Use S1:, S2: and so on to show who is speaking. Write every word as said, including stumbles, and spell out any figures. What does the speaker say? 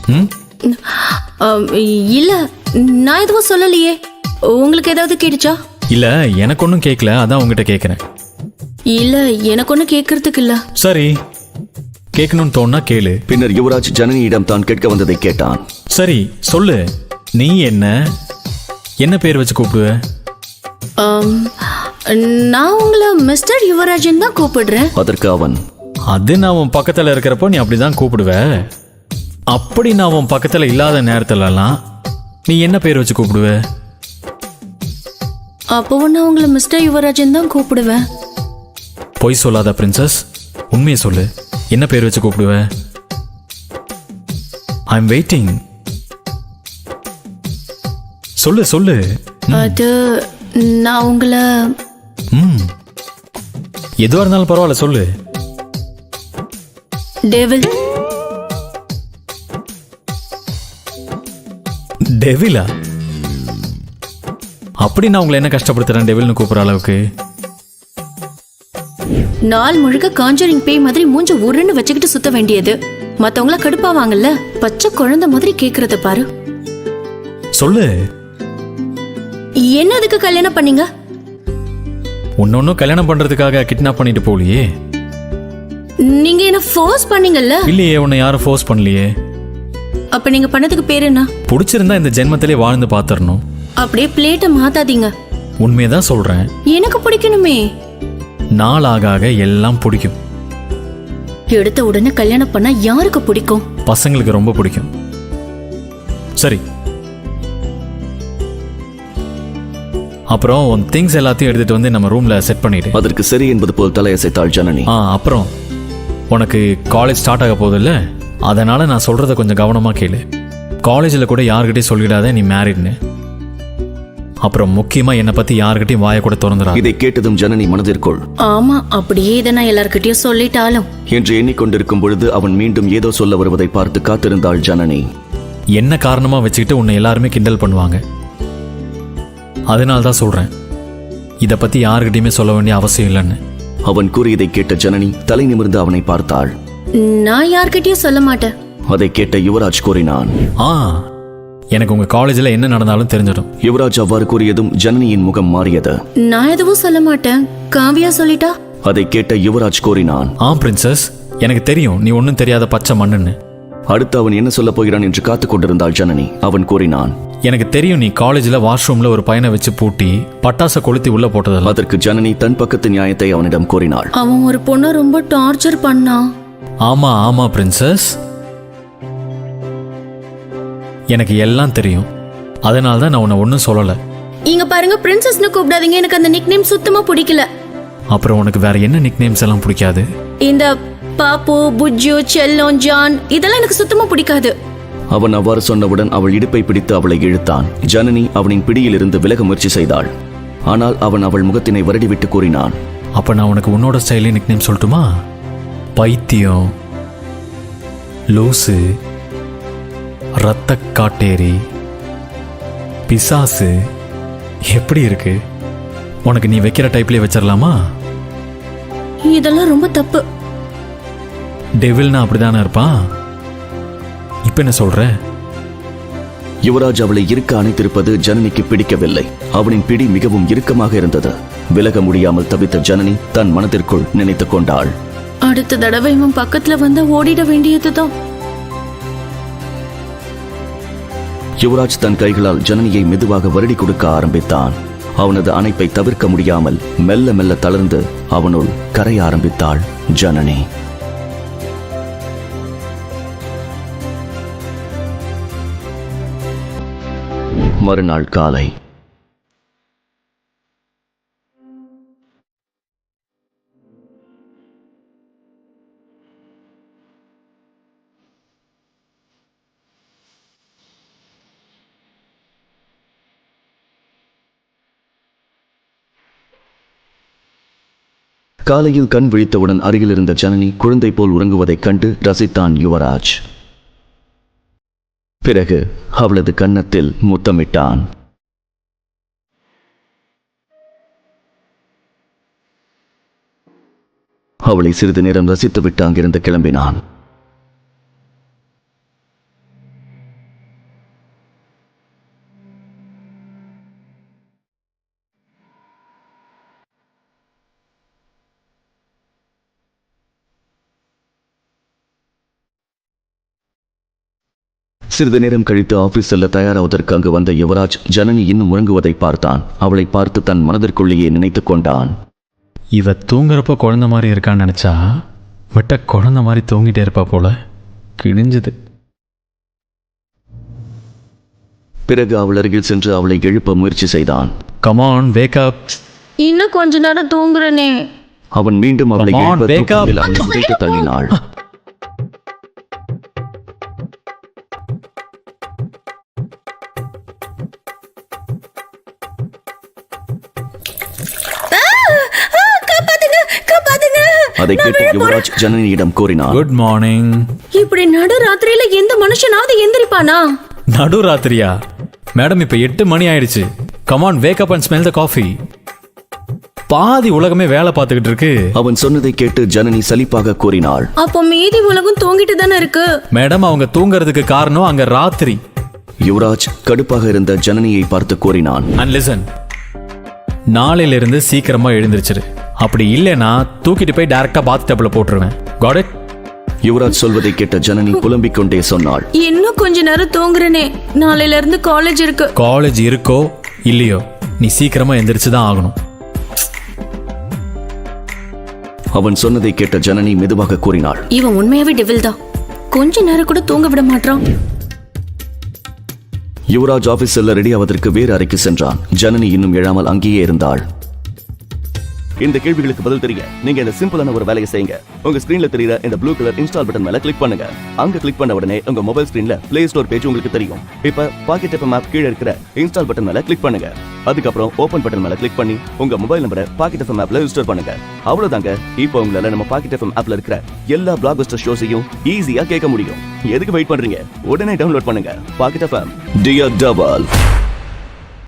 S1: ம்
S2: இல்ல, நான் எதுவும் சொல்லலையே. உங்களுக்கு ஏதாவது கேட்டுச்சா?
S1: இல்ல, எனக்கு ஒன்றும் கேட்கல, அதான் உங்ககிட்ட கேட்குறேன்.
S2: இல்ல, எனக்கு ஒன்றும் கேட்கறதுக்கு இல்ல.
S1: சரி, கேட்கணும்னு தோணுனா கேளு.
S3: பின்னர் யுவராஜ் ஜனனியிடம் தான் கேட்க வந்ததை கேட்டான்.
S1: சரி சொல்லு, நீ என்ன என்ன பேர் வச்சு கூப்பிடுவ?
S2: நான் உங்களை மிஸ்டர் யுவராஜன் தான் கூப்பிடுறேன்.
S3: அதற்கு அவன்,
S1: அது நான் உன் பக்கத்தில் இருக்கிறப்போ நீ அப்படிதான் கூப்பிடுவ. அப்படி நான் உன் பக்கத்தில் இல்லாத நேரத்துலலாம் நீ என்ன பேர் வச்சு கூப்பிடுவ?
S2: அப்பவும் நான் உங்களை மிஸ்டர் யுவராஜன் தான் கூப்பிடுவேன்.
S1: பொய் சொல்லாத பிரின்சஸ், உண்மையை சொல்லு, என்ன பேர் வச்சு கூப்பிடுவ? I am waiting. சொல்லு சொல்லு.
S2: அது நான் உங்களை
S1: ம் எதுவாக இருந்தாலும் பரவாயில்ல, சொல்லு.
S2: டெவில்.
S1: டெவிலா? அப்படி நான் உங்களை என்ன கஷ்டப்படுத்துறேன் டெவில்னு கூப்பிடுற அளவுக்கு?
S2: நாள் முழுக்க காஞ்சரிங் பேய் மாதிரி மூஞ்ச உருன்னு வச்சுக்கிட்டு சுத்த வேண்டியது. மத்தவங்கள கடுப்பாவாங்கல்ல, பச்சை குழந்தை மாதிரி கேக்குறத பாரு.
S1: சொல்லு.
S2: என்ன அதுக்கு கல்யாணம் பண்ணீங்க?
S1: உன்னொன்னும் கல்யாணம் பண்றதுக்காக கிட்னாப் பண்ணிட்டு போலியே.
S2: நீங்க என்ன ஃபோர்ஸ் பண்ணீங்கல்ல?
S1: இல்லையே, உன்னை யாரும் ஃபோர்ஸ் பண்ணலையே.
S2: அப்ப நீங்க பண்ணதுக்கு பேர் என்ன?
S1: பிடிச்சிருந்தா இந்த ஜென்மத்திலே வாழ்ந்து பாத்துறணும்.
S2: அப்படியே பிளேட்டை மாத்தாதீங்க.
S1: உண்மையதான் சொல்றேன்.
S2: எனக்கு பிடிக்கணுமே.
S1: நாள் ஆக ஆக எல்லாம் பிடிக்கும்.
S2: எடுத்த உடனே கல்யாணம் பண்ணா யாருக்கு பிடிக்கும்?
S1: பசங்களுக்கு ரொம்ப பிடிக்கும். சரி, அப்புறம் உன் திங்ஸ் எல்லாத்தையும் எடுத்துட்டு வந்து நம்ம ரூம்ல செட் பண்ணிடு.
S3: அதற்கு சரி என்பது போல் தலையசைத்தாள் ஜனனி.
S1: ஆ அப்புறம் உனக்கு காலேஜ் ஸ்டார்ட் ஆக போகுது இல்ல, அதனால நான் சொல்றத கொஞ்சம் கவனமா கேளு. காலேஜில் கூட யாருக்கிட்டையும் சொல்லிடாத நீ மேரிட்னு. அப்புறம் முக்கியமா என்னை பத்தி யாருக்கிட்டையும் வாய கூட திறந்துடா.
S3: இதை கேட்டதும் ஜனனி மனதிற்குள்,
S2: ஆமா, அப்படியே இதை நான் எல்லார்கிட்டயும் சொல்லிட்டாலும்
S3: என்று எண்ணிக்கொண்டிருக்கும் பொழுது அவன் மீண்டும் ஏதோ சொல்ல வருவதை பார்த்து காத்திருந்தாள் ஜனனி.
S1: என்ன காரணமா வச்சுக்கிட்டு உன்னை எல்லாருமே கிண்டல் பண்ணுவாங்க. அதனால தான் சொல்றேன், இதை பத்தி யாருக்கிட்டையுமே சொல்ல வேண்டிய அவசியம் இல்லைன்னு.
S3: அவன் கூறியதை கேட்ட ஜனனி தலை நிமிர்ந்து அவனை பார்த்தாள்.
S2: நான் யார்கிட்டயும் சொல்ல மாட்டேன்.
S3: அதை கேட்ட யுவராஜ் கூறினான்,
S1: ஆ எனக்கு உங்க காலேஜ்ல என்ன நடந்தாலும் தெரிஞ்சிடும்.
S3: யுவராஜ் அவ்வாறு கூறியதும் ஜனனியின் முகம் மாறியது.
S2: நான் எதுவும் சொல்ல மாட்டேன், காவியா சொல்லிட்டா.
S3: அதை கேட்ட யுவராஜ் கூறினான்,
S1: ஆ பிரின்சஸ், எனக்கு தெரியும் நீ ஒன்னும் தெரியாத பச்சை மண்ணுன்னு.
S3: அடுத்து அவன் என்ன சொல்ல போகிறான் என்று காத்துக் கொண்டிருந்தாள் ஜனனி. அவன் கூறினான்,
S1: எனக்கு தெரியும் நீ காலேஜ்ல வாஷ்ரூம்ல ஒரு பையனை வச்சு பூட்டி பட்டாசை கொளுத்தி உள்ள போட்டதில்ல.
S3: அதற்கு ஜனனி தன் பக்கத்து நியாயத்தை அவனிடம் கூறினாள்.
S2: அவன் ஒரு பொண்ணை ரொம்ப டார்ச்சர் பண்ணான்.
S1: ஆமா ஆமா பிரின்சஸ், எனக்கு எல்லாம் தெரியும். அதனால தான் நான் உன்னை ஒன்னும் சொல்லல.
S2: இங்க பாருங்க, பிரின்சஸ்னு கூப்பிடாதீங்க, எனக்கு அந்த நிக் நேம் சுத்தமா பிடிக்கல.
S1: அப்புறம் உனக்கு வேற என்ன நிக் நேம்ஸ் எல்லாம் பிடிக்காது?
S2: இந்த பாப்பு, புஜ்ஜு, செல்லம், ஜான் இதெல்லாம் எனக்கு சுத்தமா பிடிக்காது.
S3: அவன் அவ்வாறு சொன்னவுடன் அவள் இடுப்பை பிடித்து அவளை இழுத்தான். ஜனனி அவனின் பிடியிலிருந்து விலக முயற்சி செய்தாள். ஆனால் அவன் அவள் முகத்தினை வருடிவிட்டு கூறினான்,
S1: அப்ப நான் உனக்கு உன்னோட ஸ்டைலே நிக் நேம் சொல்லட்டுமா? பைத்தியம், லூசு, ரத்த காட்டேரி, பிசாசு. எப்படி இருக்கு உனக்கு? நீ வைக்கிற டைப்லயே வச்சிடலாமா?
S2: இதெல்லாம் ரொம்ப தப்பு.
S1: டெவில்னா அப்படிதானே இருப்பான். இப்ப என்ன சொல்ற?
S3: யுவராஜ் அவளை இருக்க அணைத்திருப்பது ஜனனிக்கு பிடிக்கவில்லை. அவனின் பிடி மிகவும் இறுக்கமாக இருந்தது. விலக முடியாமல் தவித்த ஜனனி தன் மனதிற்குள் நினைத்துக் கொண்டாள்,
S2: அடுத்த தடவை இவன் பக்கத்துல வந்து ஓடிட வேண்டியதுதான்.
S3: யுவராஜ் தன் கைகளால் ஜனனியை மெதுவாக வருடி கொடுக்க ஆரம்பித்தான். அவனது அணைப்பை தவிர்க்க முடியாமல் மெல்ல மெல்ல தளர்ந்து அவனுள் கரைய ஆரம்பித்தாள் ஜனனி. மறுநாள் காலை காலையில் கண் விழித்தவுடன் அருகில் இருந்த ஜனனி குழந்தை போல் உறங்குவதைக் கண்டு ரசித்தான் யுவராஜ். பிறகு அவளது கன்னத்தில் முத்தமிட்டான். அவளை சிறிது நேரம் ரசித்துவிட்டு அங்கிருந்து கிளம்பினான். சிறிது நேரம் கழித்து ஆபீஸ் செல்ல தயாராவதற்கு அங்கு வந்த யுவராஜ் ஜனனி இன்னும் உறங்குவதை பார்த்தான். அவளை பார்த்து தன் மனதிற்குள்ளேயே நினைத்து கொண்டான்.
S1: இவ தூங்குறப்ப குழந்த மாதிரி இருக்கான்னு நினச்சா விட்ட குழந்த மாதிரி தூங்கிட்டே இருப்பா போல. கிழிஞ்சது.
S3: பிறகு அவள் அருகில் சென்று அவளை எழுப்ப முயற்சி செய்தான்.
S1: Come on wake up.
S2: இன்னும் கொஞ்ச நேரம் தூங்குறனே.
S3: அவன் மீண்டும் அவளை
S1: Come on,
S3: எழுப்ப
S1: wake up.
S3: தூக்கத்தில் அவள் புதைத்து தள்ளினாள். அதை கேட்டு யுவராஜ் ஜனனியிடம் கூறினார்.
S1: Good morning.
S2: இப்படி நடு ராத்திரியில எந்த மனுஷனாவது எந்திரிப்பானா?
S1: நடு ராத்திரியா? மேடம் இப்ப எட்டு மணி ஆயிடுச்சு. Come on wake up and smell the coffee. பாதி உலகமே வேலை பார்த்துக்கிட்டு இருக்கு.
S3: அவன் சொன்னதை கேட்டு ஜனனி சலிப்பாக கூறினாள்.
S2: அப்போ மீதி உலகம் தூங்கிட்டு தானே இருக்கு.
S1: மேடம் அவங்க தூங்குறதுக்கு காரணம் அங்க ராத்திரி.
S3: யுவராஜ் கடுப்பாக இருந்த ஜனனியை பார்த்து கூறினான்.
S1: அண்ட் லிசன், நாளையில இருந்து சீக்கிரமா எழுந்திருச்சிரு. அப்படி இல்லைன்னா தூக்கிட்டு போய் டைரக்டா பாத் டப்ல போட்டுருவேன். Got it?
S3: யுவராஜ் சொல்வதை கேட்ட ஜனனி புலம்பிக் கொண்டே சொன்னாள்.
S2: இன்னும் கொஞ்ச நேரம் தூங்குறனே. நாளையில இருந்து காலேஜ் இருக்கு.
S1: காலேஜ் இருக்கோ இல்லையோ நீ சீக்கிரமா எந்திரிச்சு தான் ஆகணும்.
S3: அவன் சொன்னதை கேட்ட ஜனனி மெதுவாக கூறினாள்.
S2: இவன் உண்மையாவே டெவில் தான். கொஞ்ச நேரம் கூட தூங்க விட மாட்டான்.
S3: யுவராஜ் ஆபீஸ் செல்ல ரெடி ஆவதற்கு வேறு அறைக்கு சென்றான். ஜனனி இன்னும் எழாமல் அங்கேயே இருந்தாள். இந்த கேள்விகளுக்கு பதில் தெரிய நீங்க இந்த சிம்பிளான ஒரு வேலையை செய்யுங்க. உங்க ஸ்கிரீன்ல தெரியுற இந்த ப்ளூ கலர் இன்ஸ்டால் பட்டன் மேல கிளிக் பண்ணுங்க. அங்க கிளிக் பண்ண உடனே உங்க மொபைல் ஸ்கிரீன்ல பிளே ஸ்டோர் பேஜ் உங்களுக்கு தெரியும். இப்ப பாக்கெட் எஃப்எம் ஆப் கீழ இருக்கிற இன்ஸ்டால் பட்டன் மேல கிளிக் பண்ணுங்க. அதுக்கப்புறம் ஓபன் பட்டன் மேல கிளிக் பண்ணி உங்க மொபைல் நம்பரை பாக்கெட் எஃப்எம் ஆப்ல ரெஜிஸ்டர் பண்ணுங்க. அவ்வளவுதாங்க. இப்போ உங்களால நம்ம பாக்கெட் எஃப்எம் ஆப்ல இருக்கிற எல்லா பிளாக்பஸ்டர் ஷோஸையும் ஈஸியா கேட்க முடியும். எதுக்கு வெயிட் பண்றீங்க? உடனே டவுன்லோட் பண்ணுங்க பாக்கெட் எஃப்எம். Dear double.